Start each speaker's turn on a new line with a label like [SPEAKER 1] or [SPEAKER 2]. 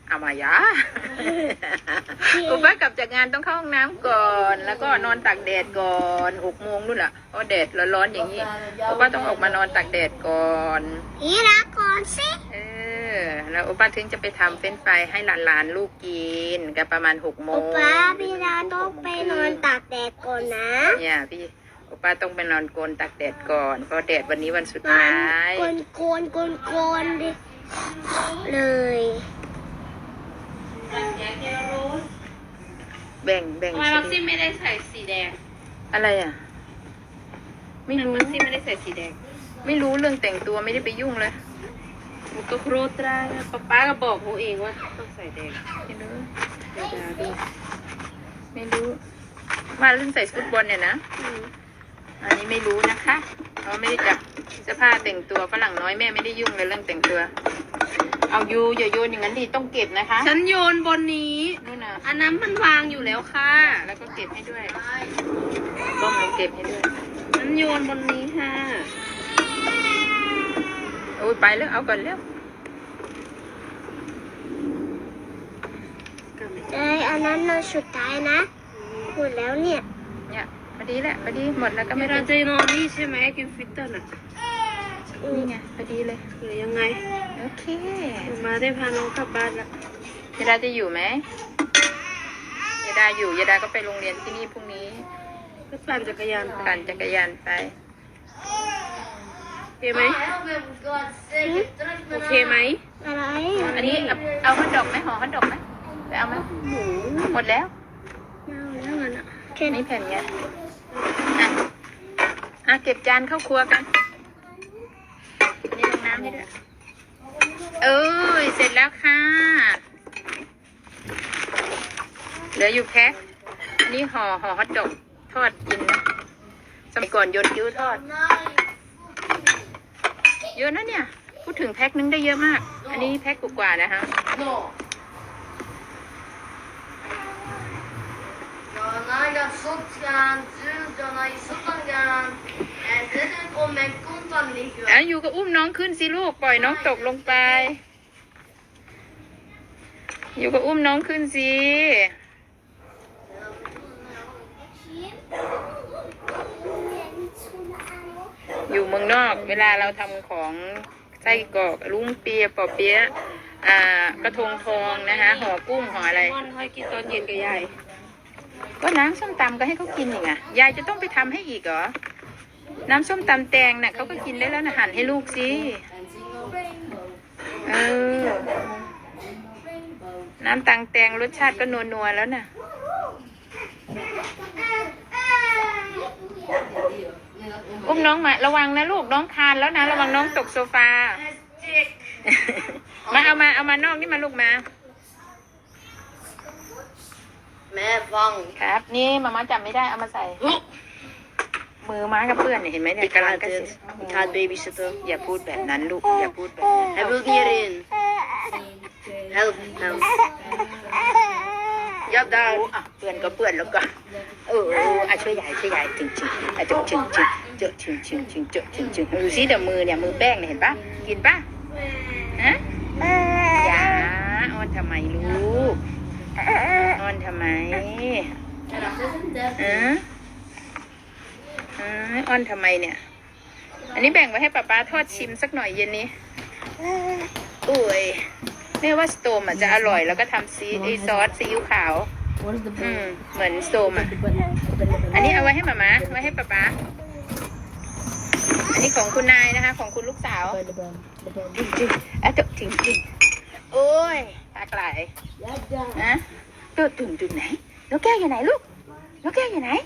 [SPEAKER 1] เอามายาอุป้ากลับจากงานต้องเข้าห้องน้ำก่อนแล้วก็นอนตากแดดก่อน6 โมงนู่นแหละเพราะแดดร้อนๆอย่างนี้อุป้าต้องออกมานอนตากแดดก่อน
[SPEAKER 2] นี่รักก่อนสิ
[SPEAKER 1] แล้วอุป้าถึงจะไปทำเฟรนช์ฟรายให้หลานๆลูกกินกันประมาณ6 โมง
[SPEAKER 2] อุป้าพี่ดาต้องไปนอนตากแดดก่อนนะ
[SPEAKER 1] เนี่ยพี่อุป้าต้องไปนอนโกนตากแดดก่อนเพราะแดดวันนี้วันสุดท้าย
[SPEAKER 2] โกนดิเลย
[SPEAKER 1] แบ่ง
[SPEAKER 3] ทำไมมักซิมไม่ได้ใส่สีแดง
[SPEAKER 1] อะไรอ่ะไม่รู้
[SPEAKER 3] มักซิมไม่ได้ใส่สีแดง
[SPEAKER 1] ไม่รู้เรื่องแต่งตัวไม่ได้ไปยุ่งเลย
[SPEAKER 3] มุกก็โครตราป้าก็บอกหนูเองว่าต้องใส่แดง
[SPEAKER 1] ไม่รู้ไม่รู้ว่าเรื่องใส่ฟุตบอลเนี่ยนะอันนี้ไม่รู้นะคะเขาไม่ได้จับเสื้อผ้าแต่งตัวฝรั่งน้อยแม่ไม่ได้ยุ่งเลยเรื่องแต่งตัวเอาอย่าโยนอย่างนั้นดิต้องเก็บนะคะ
[SPEAKER 3] ฉันโยนบนนี้
[SPEAKER 1] นู่นน่ะ
[SPEAKER 3] อันนั้นมันวางอยู่แล้วค่ะ
[SPEAKER 1] แล้วก็เก็บให้ด้วยต้มแล้วเก็บให้ด้วย
[SPEAKER 3] ฉันโยนบนนี้ค่ะ
[SPEAKER 1] โอ้ยไปแล้วเอาก่อนแล้ว
[SPEAKER 2] อันนั้นนอนสุดท้ายนะหมดแล้วเนี่ย
[SPEAKER 1] พอดีแหละพอดีหมดแล้วก็ไม่
[SPEAKER 3] เราจะนอนนี่ใช่ไหมกินฟิตเตอร์น่ะ
[SPEAKER 1] นี่ไงพอดีเลย
[SPEAKER 3] หรือยังไง
[SPEAKER 1] โอเค
[SPEAKER 3] มาได้พาน้องกลับบ้านละ
[SPEAKER 1] ยาดาจะอยู่ไหมยาดาอยู่ยาดาก็ไปโรงเรียนที่นี่พรุ่งนี้
[SPEAKER 3] ก็ปั่นจักรยาน
[SPEAKER 1] ปั่นจักรยานไป
[SPEAKER 3] โอเคไหมโอเคไหม
[SPEAKER 2] อะไร
[SPEAKER 1] อันนี้เอาฮอทดอกไหมห่อฮอทดอกไหมไปเอาไหมหมดแล้ว
[SPEAKER 2] แล้วมัน
[SPEAKER 1] แค่นี้แผ่นเนี้ยเก็บจานเข้าครัวกันนี่ลงน้ำให้ด้วยเสร็จแล้วค่ะเหลืออยู่แพ็คอันนี้ห่อฮอทดอกทอดกินนะสมัยก่อนโยนกิ้วทอดเยอะนะเนี่ยพูดถึงแพ็คนึงได้เยอะมากอันนี้แพ็คกว่านะคะอยู่กับอุ้มน้องขึ้นสิลูกปล่อยน้องตกลงไปอยู่กับอุ้มน้องขึ้นสิอยู่เมืองนอกเวลาเราทำของไส้กรอกลุ้งเปียปอเปี๊ยะกระทงทองนะคะห่อกุ้งห่ออะไร
[SPEAKER 3] ค่อยกินตอนเย็นกับยาย
[SPEAKER 1] ก็น้ำส้มตำก็ให้เขากินอย่างไงยายจะต้องไปทำให้อีกเหรอน้ำส้มตำแตงน่ะเขาก็กินได้แล้วนะหั่นให้ลูกสิน้ำตังแตงรสชาติก็นัวๆแล้วน่ะอุ้มน้องมาระวังนะลูกน้องคานแล้วนะระวังน้องตกโซฟามาเอามานอกนี่มาลูกมา
[SPEAKER 3] แม่ฟัง
[SPEAKER 1] ครับนี่มาจับไม่ได้เอามาใส่มือม้ากับเพื่อนเห็นไหมเนี่ยกำลังกระสิ
[SPEAKER 3] การเบบี้ซิตเตอร์
[SPEAKER 1] อย่าพูดแบบนั้นลูกอย่าพูดแบบนั้น
[SPEAKER 3] I will get in help
[SPEAKER 1] ยับได้เปื่อนก็เปื่อนแล้วก็ช่วยใหญ่จริงเจอะจริงดูสิเดี๋ยวมือเนี่ยมือแป้งเนี่ยเห็นปะกินปะฮะอย่าอ้อนทำไมลูกอ้อนทำไมอ้อนทำไมเนี่ยอันนี้แบ่งไว้ให้ป๊าทอดชิมสักหน่อยเย็นนี้แม่ว่าสโตมจะอร่อยแล้วก็ทำซอสซีอิ๊วขาวเหมือนสโตมอันนี้เอาไว้ให้หมาไว้ให้ป๊าอันนี้ของคุณนายนะคะของคุณลูกสาวจริงโอ้ยตากไหลนะตัวตุ่นไหนนกแก้วอยู่ไหนลูกนกแก้วอยู่ไหน